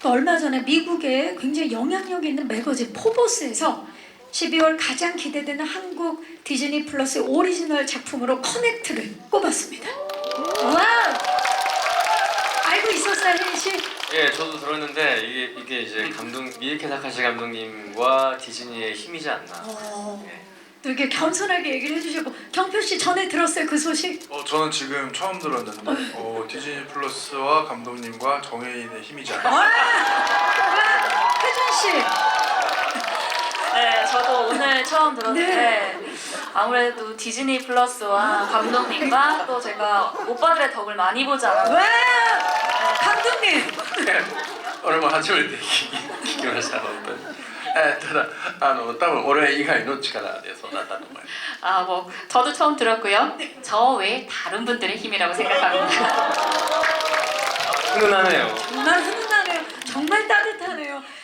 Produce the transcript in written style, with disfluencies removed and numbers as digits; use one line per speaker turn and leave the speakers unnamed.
얼마 전에 미국의 굉장히 영향력 있는 매거진 포브스에서 12월 가장 기대되는 한국 디즈니 플러스 오리지널 작품으로 커넥트를 꼽았습니다. 와! 알고 있었어요, 혜인 씨?
예, 저도 들었는데 이게 이제 미야케 다카시 감독님과 디즈니의 힘이지 않나. 예.
또 이렇게 겸손하게 얘기를 해주셨고, 경표 씨 전에 들었어요 그 소식?
저는 지금 처음 들었는데 디즈니 플러스와 감독님과 정혜인의 힘이지 않나.
와! 혜준 씨.
네, 저도 오늘 처음 들었는데 아무래도 디즈니 플러스와 감독님과 또 제가 오빠들의 덕을 많이 보지 않았나.
와! 감독님.
俺も初めて聞きました本当に。ただ多分俺以外の力でそうなったと思います。
아, 뭐 저도 처음 들었고요. 저 외에 다른 분들의 힘이라고 생각합니다.
훈훈하네요.
정말 훈훈하네요. 정말 따뜻하네요.